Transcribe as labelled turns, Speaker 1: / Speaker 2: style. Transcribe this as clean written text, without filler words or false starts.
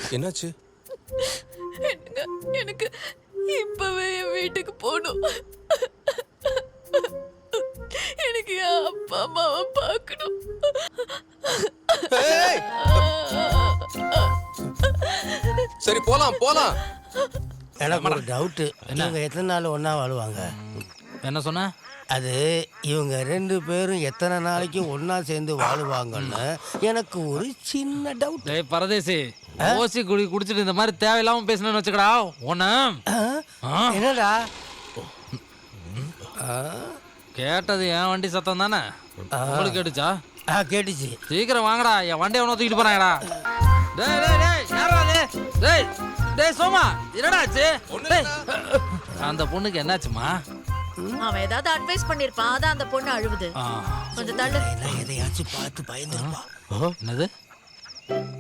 Speaker 1: என்னாச்சு?
Speaker 2: எனக்கு இப்பவே என் வீட்டுக்கு போகணும். எனக்கு என் அப்பா அம்மாவை பார்க்கணும்.
Speaker 1: ஏய்! சரி போலாம் போலாம்.
Speaker 3: எனக்கு ஒரு டவுட்டு, இவங்க எத்தனை நாள் ஒன்றா வாழுவாங்க?
Speaker 4: என்ன சொன்ன?
Speaker 3: அது இவங்க 2 பேரும் எத்தனை நாளைக்கு ஒன்றா சேர்ந்து வாழுவாங்கன்னு எனக்கு ஒரு சின்ன டவுட்.
Speaker 4: டேய் பரதேசி, ஓசி குடிச்சிட்டு இந்த மாதிரி தேவையில்லாம பேசணும்னு வச்சுக்கடா உன்ன.
Speaker 3: என்னடா
Speaker 4: கேட்டது என் வண்டி சத்தம் தானே? உங்களுக்கு கேட்டுச்சா?
Speaker 3: கேட்டுச்சு.
Speaker 4: சீக்கிரம் வாங்கடா, என் வண்டியை ஒன்று தூக்கிட்டு போறாங்கடா. டேய் டேய் டேய் யாரா அது? டேய் டேய் சோமா, என்னடா ஆச்சு? டேய் அந்த பொண்ணுக்கு என்னாச்சுமா?
Speaker 2: அவன் ஏதாவது அட்வைஸ் பண்ணிருப்பான், அதான் அந்த பொண்ணு அழுவுது. கொஞ்சம் தள்ளு.
Speaker 3: எதையாச்சும் பார்த்து பயந்துருப்பா.
Speaker 4: என்னது?